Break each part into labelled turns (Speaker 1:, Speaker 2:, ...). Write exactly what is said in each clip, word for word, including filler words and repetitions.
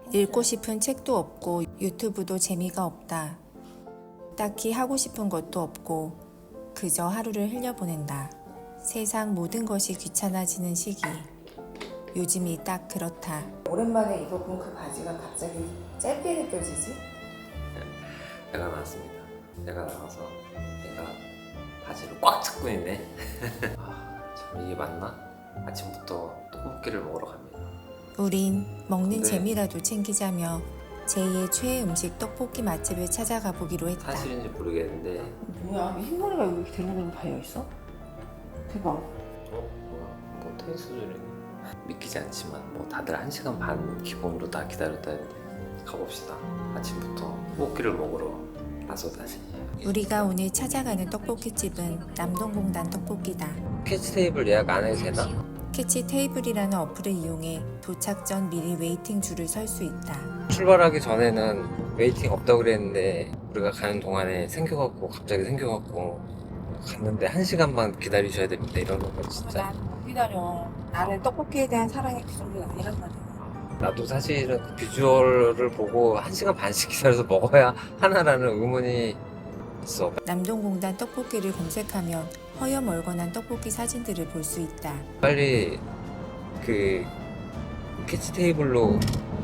Speaker 1: 읽고 싶은 책도 없고 유튜브도 재미가 없다. 딱히 하고 싶은 것도 없고 그저 하루를 흘려보낸다. 세상 모든 것이 귀찮아지는 시기. 요즘이 딱 그렇다. 오랜만에 입어본 그 바지가 갑자기 짧게 느껴지지?
Speaker 2: 내가 나왔습니다. 내가 나와서 내가 바지를 꽉 잡고 있네. 아, 참 이게 맞나? 아침부터 떡볶이를 먹으러 갑니다.
Speaker 1: 우린 먹는
Speaker 2: 네.
Speaker 1: 재미라도 챙기자며 제이의 최애 음식 떡볶이 맛집을 찾아가 보기로 했다.
Speaker 2: 사실인지 모르겠는데
Speaker 3: 뭐야? 흰머리가 여기 이렇게 대롱대롱 달려있어? 대박.
Speaker 2: 어? 뭐야? 뭐 테니스줄이네. 믿기지 않지만 뭐 다들 한 시간 반 기본으로 다 기다렸다는데 가봅시다. 아침부터 떡볶이를 먹으러 나서다니.
Speaker 1: 우리가 오늘 찾아가는 떡볶이집은 남동공단 떡볶이다.
Speaker 2: 캐치 테이블 예약 안 해도 되나?
Speaker 1: 캐치 테이블이라는 어플을 이용해 도착 전 미리 웨이팅 줄을 설 수 있다.
Speaker 2: 출발하기 전에는 웨이팅 없다고 그랬는데 우리가 가는 동안에 생겨갖고 갑자기 생겨갖고 갔는데 한 시간만 기다리셔야 됩니다 이러는 거 진짜.
Speaker 3: 난 못 기다려. 나는 떡볶이에 대한 사랑이 그 정도가 아니란 말이야.
Speaker 2: 나도 사실은 그 비주얼을 보고 한 시간 반씩 기다려서 먹어야 하나라는 의문이 있어.
Speaker 1: 남동공단 떡볶이를 검색하면 허여멀건한 떡볶이 사진들을 볼 수 있다.
Speaker 2: 빨리 그 캐치 테이블로.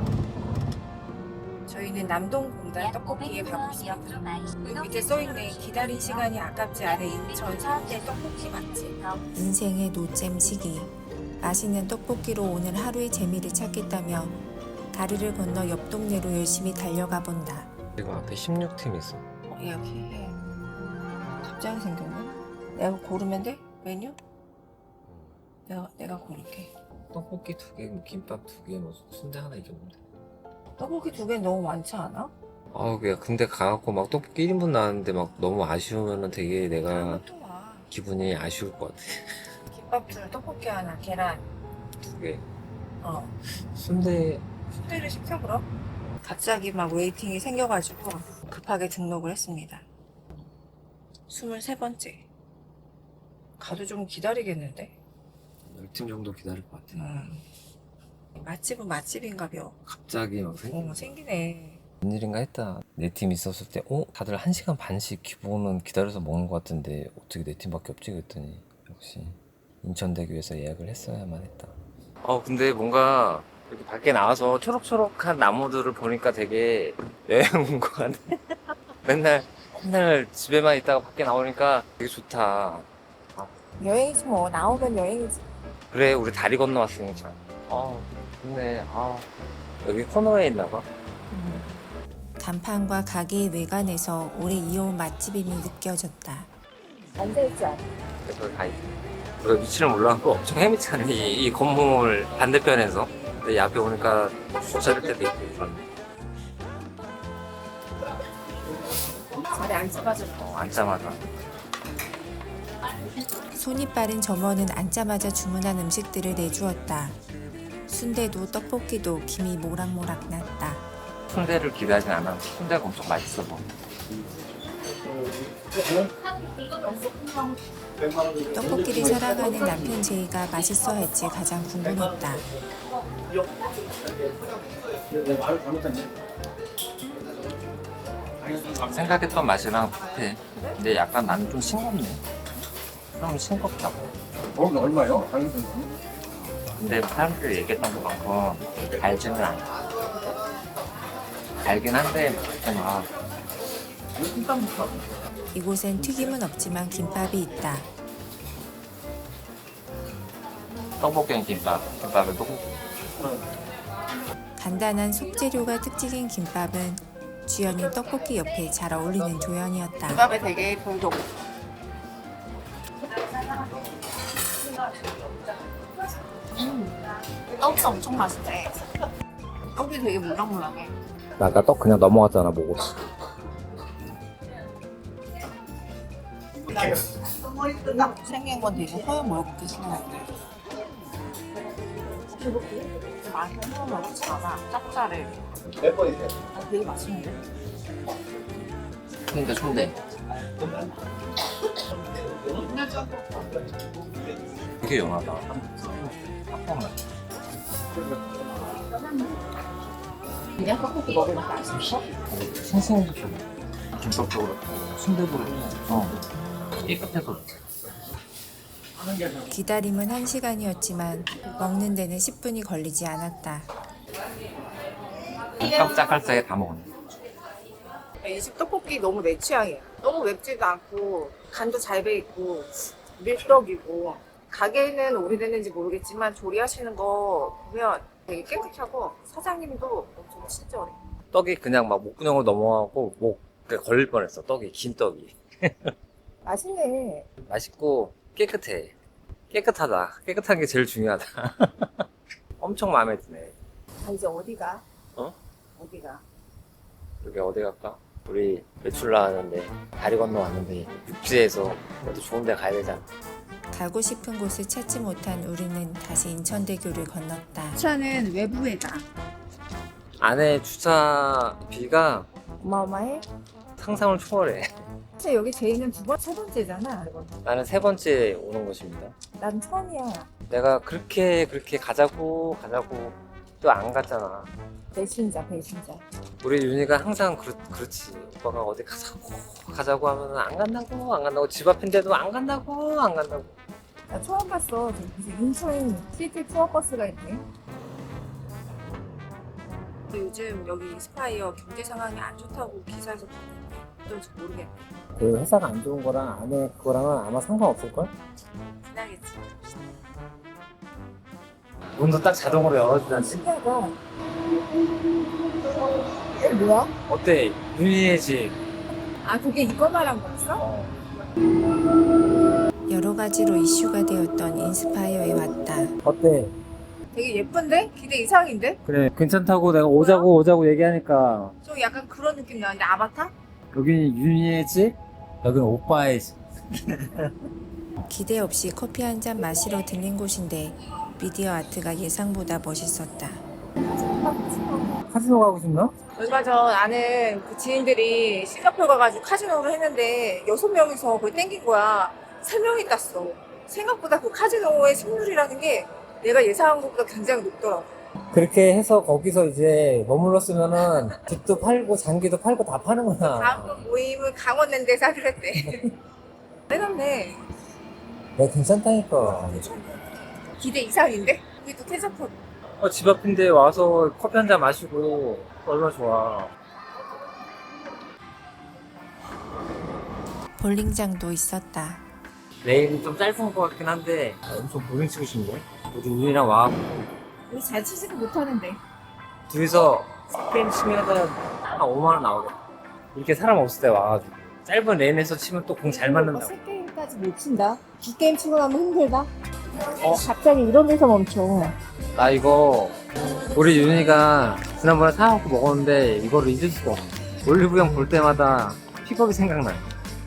Speaker 3: 저희는 남동공단 떡볶이에 가고 있습니다. 여기 밑에 써있네. 기다린 시간이 아깝지 않은 인천 서울대 떡볶이 맛집.
Speaker 1: 인생의 노잼 시기. 맛있는 떡볶이로 오늘 하루의 재미를 찾겠다며 다리를 건너 옆 동네로 열심히 달려가 본다.
Speaker 2: 그리고 앞에 십육 팀 있어.
Speaker 3: 어, 이렇게 갑자기 생겼네. 내가 고르면 돼? 메뉴? 내가 내가 고를게.
Speaker 2: 떡볶이 두 개, 김밥 두 개, 뭐 순대 하나 이 정도.
Speaker 3: 떡볶이 두 개 너무 많지 않아?
Speaker 2: 아, 그냥 근데 가갖고 막 떡볶이 일 인분 나왔는데 막 너무 아쉬우면은 되게 내가
Speaker 3: 또 와.
Speaker 2: 기분이 아쉬울 것 같아.
Speaker 3: 김밥 둘, 떡볶이 하나, 계란.
Speaker 2: 두 개.
Speaker 3: 어.
Speaker 2: 순대
Speaker 3: 순대를 시켜 그럼? 갑자기 막 웨이팅이 생겨가지고 급하게 등록을 했습니다. 스물세 번째. 가도 좀 기다리겠는데?
Speaker 2: 열 팀 정도 기다릴 것 같아.
Speaker 3: 음. 맛집은 맛집인가벼.
Speaker 2: 갑자기 막 생...
Speaker 3: 어, 생기네.
Speaker 2: 웬일인가 했다. 내 팀 있었을 때 어? 다들 한 시간 반씩 기본은 기다려서 먹는 것 같은데 어떻게 내 팀밖에 없지 그랬더니 역시 인천대교에서 예약을 했어야만 했다. 어 근데 뭔가 이렇게 밖에 나와서 초록초록한 나무들을 보니까 되게 여행 온 것 같네. 맨날 맨날 집에만 있다가 밖에 나오니까 되게 좋다.
Speaker 3: 여행이지 뭐. 나오면 여행이지.
Speaker 2: 그래 우리 다리 건너왔으니까. 아 좋네. 아 여기 코너에 있나봐.
Speaker 1: 간판과 가게의 외관에서 오래 이어온 맛집임이 느껴졌다.
Speaker 3: 앉아있지 않아.
Speaker 2: 그래서 가 있어. 우리가 위치를 몰라갖고 엄청 헤매잖아. 이, 이 건물 반대편에서. 근데 이 앞에 오니까 주차할 때도 있고.
Speaker 3: 자리 앉자마자.
Speaker 2: 어, 앉자마자.
Speaker 1: 손이 빠른 점원은 앉자마자 주문한 음식들을 내주었다. 순대도 떡볶이도 김이 모락모락 났다.
Speaker 2: 순대를 기대하진 않았는데 순대가 엄청 맛있어 보여.
Speaker 1: 떡볶이를 사랑하는 남편 제이가 맛있어 할지 가장 궁금했다.
Speaker 2: 생각했던 맛이랑 비슷해. 근데 약간 나는 좀 싱겁네. 좀 싱겁다.
Speaker 4: 거기 얼마요?
Speaker 2: 근데 사람들이 얘기했던 것만큼 달지는 않아. 달긴 한데 좀 아.
Speaker 1: 이곳엔 튀김은 없지만 김밥이 있다.
Speaker 2: 떡볶이는 김밥, 김밥은 떡볶이.
Speaker 1: 간단한 속재료가 특징인 김밥은 주연이 떡볶이 옆에 잘 어울리는 조연이었다.
Speaker 3: 김밥에 되게 별도 없어. 음. 떡이 엄청 맛있대. 떡이 되게 물랑물랑해.
Speaker 2: 나 아까 떡 그냥 넘어갔잖아 보고.
Speaker 3: 생긴 건 되게 허여멀겋게 생겼는데 맛은 허여멀겋지 않아. 짭짤해. 아, 되게 맛있는데?
Speaker 2: 순대 순대. 되게 연하다. 잠깐만.
Speaker 3: 그냥 떡볶이 먹으니까 맛있어?
Speaker 2: 생생도 좀 김밥도 그렇고 순대도 그렇고 어. 깨끗해서
Speaker 1: 기다림은 한 시간이었지만 먹는 데는 십 분이 걸리지 않았다.
Speaker 2: 깜짝깜짝하게 다 먹었네.
Speaker 3: 이 집 떡볶이 너무 내 취향이야. 너무 맵지도 않고 간도 잘 배있고 밀떡이고 가게는 오래됐는지 모르겠지만 조리하시는 거 보면 되게 깨끗하고 사장님도 엄청 친절해.
Speaker 2: 떡이 그냥 막 목구멍으로 넘어가고 목에 걸릴 뻔했어. 떡이 긴 떡이
Speaker 3: 맛있네.
Speaker 2: 맛있고 깨끗해. 깨끗하다. 깨끗한 게 제일 중요하다. 엄청 마음에 드네.
Speaker 3: 아, 이제 어디가?
Speaker 2: 어?
Speaker 3: 어디가?
Speaker 2: 여기 어디 갈까? 우리 외출 나왔는데 다리 건너 왔는데 육지에서 그래도 좋은 데 가야 되잖아.
Speaker 1: 가고 싶은 곳을 찾지 못한 우리는 다시 인천대교를 건넜다.
Speaker 3: 차는 외부에다.
Speaker 2: 안에 주차비가
Speaker 3: 어마어마해?
Speaker 2: 상상을 초월해.
Speaker 3: 사실 여기 제이는 두 번, 세 번째잖아.
Speaker 2: 나는 세 번째 오는 곳입니다.
Speaker 3: 난 처음이야.
Speaker 2: 내가 그렇게 그렇게 가자고 가자고 또 안 갔잖아.
Speaker 3: 배신자, 배신자.
Speaker 2: 우리 윤희가 항상 그렇, 그렇지. 오빠가 어디 가자고 가자고 하면 안 간다고 안 간다고 집 앞인데도 안 간다고 안 간다고.
Speaker 3: 나 처음 봤어. 저기 무슨 인천 시티 투어 버스가 있네. 요즘 여기 인스파이어 경제 상황이 안 좋다고 기사에서 봤는데 어떨지 모르겠네.
Speaker 4: 그 회사가 안 좋은 거랑 안에 그거랑은 아마 상관없을걸?
Speaker 3: 지나겠지.
Speaker 2: 문도 딱 자동으로 열어주잖아.
Speaker 3: 신기하다. 이게 뭐야?
Speaker 2: 어때? 윤희의 집.
Speaker 3: 아, 그게 이거 말한 거였어?
Speaker 2: 어.
Speaker 1: 여러 가지로 이슈가 되었던 인스파이어에 왔다.
Speaker 4: 어때?
Speaker 3: 되게 예쁜데? 기대 이상인데?
Speaker 4: 그래 괜찮다고 내가 오자고 오자고 얘기하니까
Speaker 3: 좀 약간 그런 느낌 나는데 아바타?
Speaker 4: 여기는 윤희의 집, 여기는 오빠의 집.
Speaker 1: 기대 없이 커피 한 잔 마시러 들린 곳인데 미디어 아트가 예상보다 멋있었다.
Speaker 4: 카지노 가고 싶나?
Speaker 3: 얼마 전 아는 그 지인들이 싱가포르 가가지고 카지노를 했는데 여섯 명이서 그걸 땡긴 거야. 세 명이 땄어. 생각보다 그 카지노의 승률이라는 게 내가 예상한 것보다 굉장히 높더라고.
Speaker 4: 그렇게 해서 거기서 이제 머물렀으면은 집도 팔고 장기도 팔고 다 파는 거야.
Speaker 3: 다음번 모임은 강원랜드에서 하기로 했대. 빼놨네.
Speaker 4: 내가 괜찮다니까.
Speaker 3: 기대 이상인데? 우리 또 캐서폰.
Speaker 2: 어, 집 앞인데 와서 커피 한 잔 마시고 얼마나 좋아.
Speaker 1: 볼링장도 있었다.
Speaker 2: 내일은 좀 짧은 것 같긴 한데 엄청 볼링 치고 싶네. 우리 윤희랑 와갖고
Speaker 3: 우리 잘 치지도 못하는데.
Speaker 2: 둘이서 게임 치면은 한 오만 원 나오겠다. 이렇게 사람 없을 때 와가지고 짧은 레인에서 치면 또 공 잘 맞는다고.
Speaker 3: 세 게임까지 못 친다. 빅게임 치고 나면 힘들다. 어, 갑자기 이런 데서 멈춰.
Speaker 2: 나 이거 우리 윤희가 지난번에 사갖고 먹었는데 이거를 잊을 수가 없어. 올리브영 볼 때마다 픽업이 생각나요.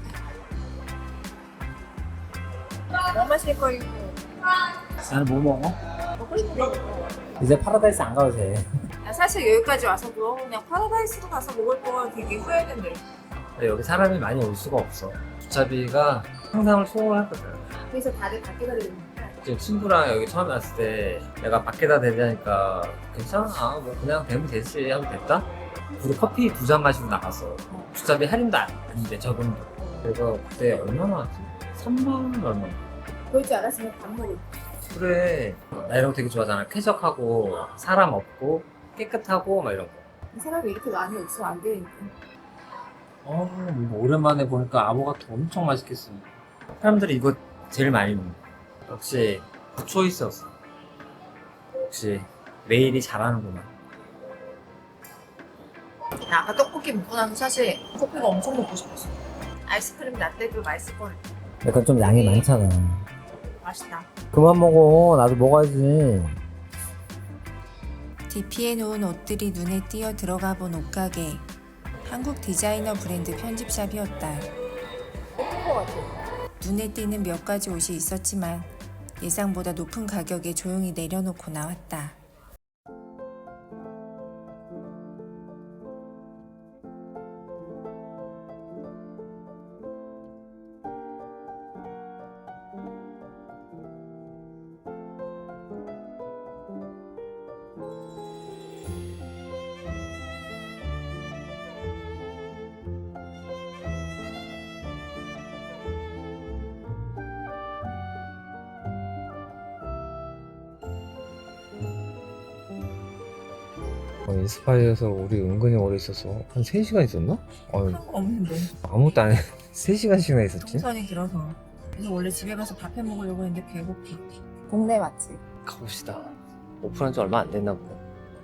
Speaker 3: 뭐 마실 거리고
Speaker 4: 나는 뭐 먹어?
Speaker 3: 먹고 싶은 거.
Speaker 4: 이제 파라다이스 안 가도 돼.
Speaker 3: 나 사실 여기까지 와서도 그냥 파라다이스로 가서 먹을 거 되게 후회했는데.
Speaker 2: 근데 여기 사람이 많이 올 수가 없어. 주차비가 상상을 초월하거든.
Speaker 3: 그래서 다들 밖에다 대는 거야.
Speaker 2: 지금 친구랑 여기 처음에 왔을 때 내가 밖에다 대자니까 괜찮아 뭐 그냥 대면 되지 하면 됐다? 우리 커피 두 잔 마시고 나갔어. 주차비 할인도 안- 아닌데 적은도. 그래서 그때 얼마나 왔지? 삼만 원 얼마?
Speaker 3: 그럴 줄 알았으면 밥 먹을.
Speaker 2: 그래 나 이런 거 되게 좋아하잖아. 쾌적하고 사람 없고 깨끗하고 막 이런 거.
Speaker 3: 이 사람이 이렇게 많이 없으면 안 되니까.
Speaker 2: 어, 뭐 오랜만에 보니까 아보가토 엄청 맛있겠어. 사람들이 이거 제일 많이 먹는 거. 역시 굿초이스였어. 역시 메일이 잘하는구나.
Speaker 3: 나 아까 떡볶이 먹고 나서 사실 커피가 엄청 먹고 싶었어. 아이스크림 라떼도 맛있을 거야.
Speaker 4: 약간 좀 양이 많잖아.
Speaker 3: 맛있다.
Speaker 4: 그만 먹어. 나도 먹어야지.
Speaker 1: 디피에 놓은 옷들이 눈에 띄어 들어가 본 옷가게. 한국 디자이너 브랜드 편집샵이었다.
Speaker 3: 예쁜 거 같아.
Speaker 1: 눈에 띄는 몇 가지 옷이 있었지만 예상보다 높은 가격에 조용히 내려놓고 나왔다.
Speaker 2: 어, 인스파이어에서 우리 은근히 오래 있었어. 한 세 시간 있었나? 어,
Speaker 3: 한 거 없는데.
Speaker 2: 아무것도 안 해. 세 시간씩이나 있었지?
Speaker 3: 동선이 길어서. 그래서 원래 집에 가서 밥 해 먹으려고 했는데 배고파. 동네 맛집.
Speaker 2: 가봅시다. 오픈한 지 얼마 안 됐나 보네.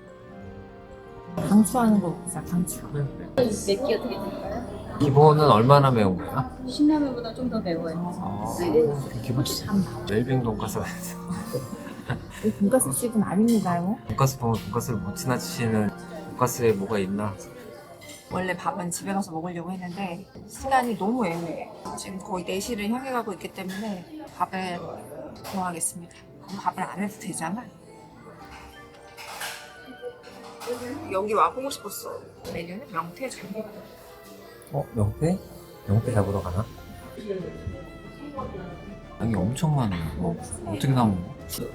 Speaker 3: 강추하는 거 먹자, 강추.
Speaker 5: 맵기 어떻게 될까요?
Speaker 2: 기본은 얼마나 매운 거야?
Speaker 5: 신라면보다 좀 더 매워요.
Speaker 2: 아, 기본 웰빙 돈가스가 있어.
Speaker 3: 돈가스 집은 아닙니다요.
Speaker 2: 돈가스 보면 돈가스를 못 지나치시는 돈가스에 뭐가 있나?
Speaker 3: 원래 밥은 집에 가서 먹으려고 했는데 시간이 너무 애매해. 지금 거의 네 시를 향해 가고 있기 때문에 밥을 구하겠습니다. 그럼 밥을 안 해도 되잖아. 여기 와보고 싶었어. 메뉴는 명태전.
Speaker 2: 어? 명태? 명태 잡으러 가나? 여기 엄청 많아. 뭐 어떻게 다 먹어?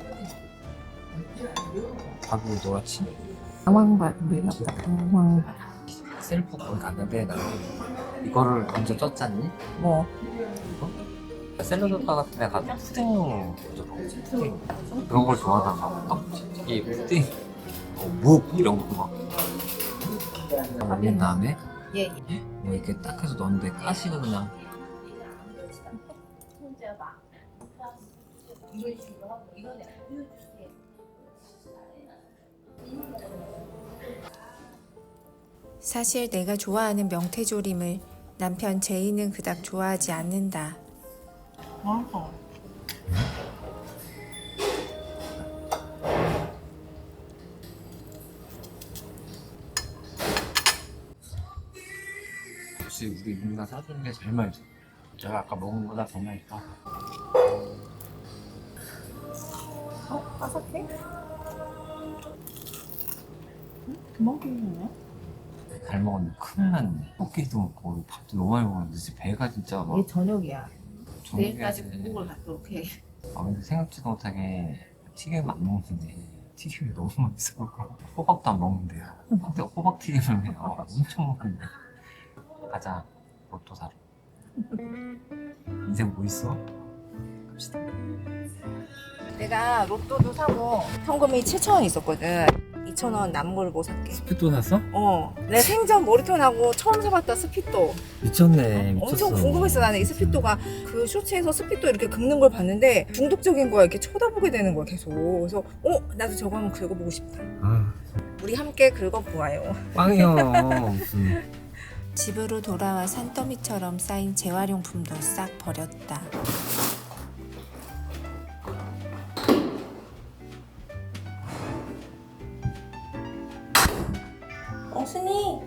Speaker 2: 밥이 노랗지?
Speaker 3: 당황밥, 매력다 당황밥.
Speaker 2: 셀프 거기 갔는데 나는 이거를 먼저 쪘잖니?
Speaker 3: 뭐?
Speaker 2: 샐러드 바 같은 데 가서 푸딩 먼저 먹지. 푸딩 그런 걸 좋아하다가 떡볶이 푸딩 어, 묵 이런 거 막 올린 다음에
Speaker 3: 예.
Speaker 2: 뭐 이렇게 딱 해서 넣었는데 가시가 그냥
Speaker 1: 사실 내가 좋아하는 명태조림을 남편 제이는 그닥 좋아하지 않는다.
Speaker 3: 어.
Speaker 2: 역시 우리 누나 사주는 게 제일 맛있어. 제가 아까 먹은 거보다 더 맛있다.
Speaker 3: 어? 바삭해? 응? 금방 먹네.
Speaker 2: 잘 먹었는데 큰일 났네. 떡볶이도 먹고 밥도 너무 많이 먹었는데 진짜 배가 진짜 막
Speaker 3: 이게 저녁이야.
Speaker 2: 저녁에
Speaker 3: 내일까지 국을 갖도록 해.
Speaker 2: 아 근데 생각지도 못하게 튀김 안 먹는데 튀김이 너무 맛있어. 호박도 안 먹는데요. 근데 호박 튀김을 그냥 어, 엄청 먹는데. 가자 로또 사러. 인생 뭐 있어? 갑시다.
Speaker 3: 내가 로또도 사고 현금이 칠천 원 있었거든. 이천 원 남은 걸 뭐 살게.
Speaker 2: 스피또 샀어?
Speaker 3: 어, 내 생전 머리톤하고 처음 사봤다 스피또.
Speaker 2: 미쳤네. 미쳤어.
Speaker 3: 엄청 궁금했어. 나는 이 스피또가 그 쇼츠에서 스피또 이렇게 긁는 걸 봤는데 중독적인 거야. 이렇게 쳐다보게 되는 거야 계속. 그래서 어 나도 저거 한번 긁어보고 싶다.
Speaker 2: 아,
Speaker 3: 우리 함께 긁어보아요.
Speaker 2: 빵이야 무슨.
Speaker 1: 집으로 돌아와 산더미처럼 쌓인 재활용품도 싹 버렸다.
Speaker 3: 엉순이.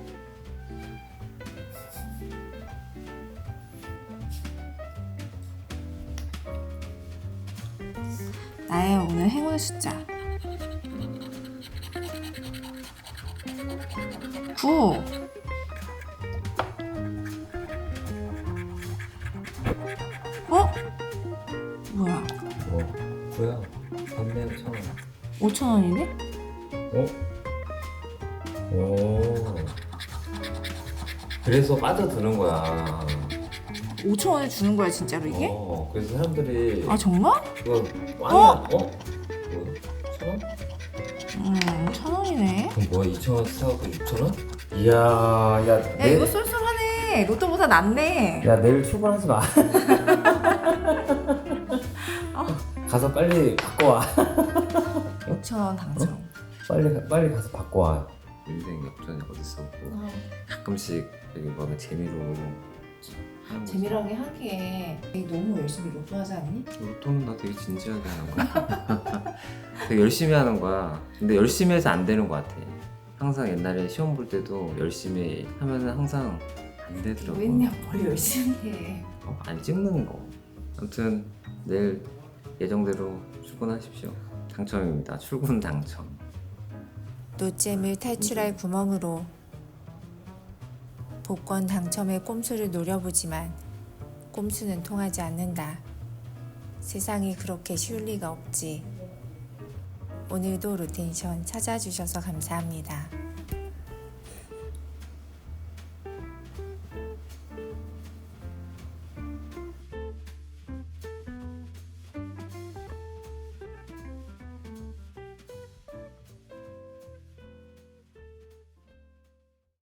Speaker 3: 나의 오늘 행운 숫자 구. 어? 뭐야?
Speaker 2: 뭐 뭐야? 반대로 천 원.
Speaker 3: 오천 원이네?
Speaker 2: 어? 오. 그래서 빠져드는 거야.
Speaker 3: 오천 원을 주는 거야 진짜로 이게?
Speaker 2: 어, 그래서 사람들이
Speaker 3: 아 정말?
Speaker 2: 그거 완전 어? 어? 뭐야? 천 원?
Speaker 3: 음, 천 원이네.
Speaker 2: 그럼 뭐야? 이천 원 사갖고 육천 원? 이야, 야,
Speaker 3: 야
Speaker 2: 내,
Speaker 3: 이거 쏠쏠하네. 로또보다 낫네.
Speaker 4: 야 내일 출근하지 마. 가서 빨리 바꿔 와.
Speaker 3: 오천 원 당첨.
Speaker 4: 빨리 빨리 가서 바꿔 와.
Speaker 2: 인생 역전이 어딨어? 뭐 가끔씩 여기 뭐가 재미로 하는 거지.
Speaker 3: 재미라게 하기에 너무 열심히 로또 하지 않니?
Speaker 2: 로또는 나 되게 진지하게 하는 거야. 되게 열심히 하는 거야. 근데 열심히 해서 안 되는 거 같아. 항상 옛날에 시험 볼 때도 열심히 하면은 항상 안 되더라고.
Speaker 3: 웬냐 뭘 열심히 해.
Speaker 2: 어, 안 찍는 거. 아무튼 내일 예정대로 출근하십시오. 당첨입니다. 출근 당첨.
Speaker 1: 노잼을 탈출할 구멍으로 복권 당첨의 꼼수를 노려보지만 꼼수는 통하지 않는다. 세상이 그렇게 쉬울 리가 없지. 오늘도 로텐션 찾아주셔서 감사합니다.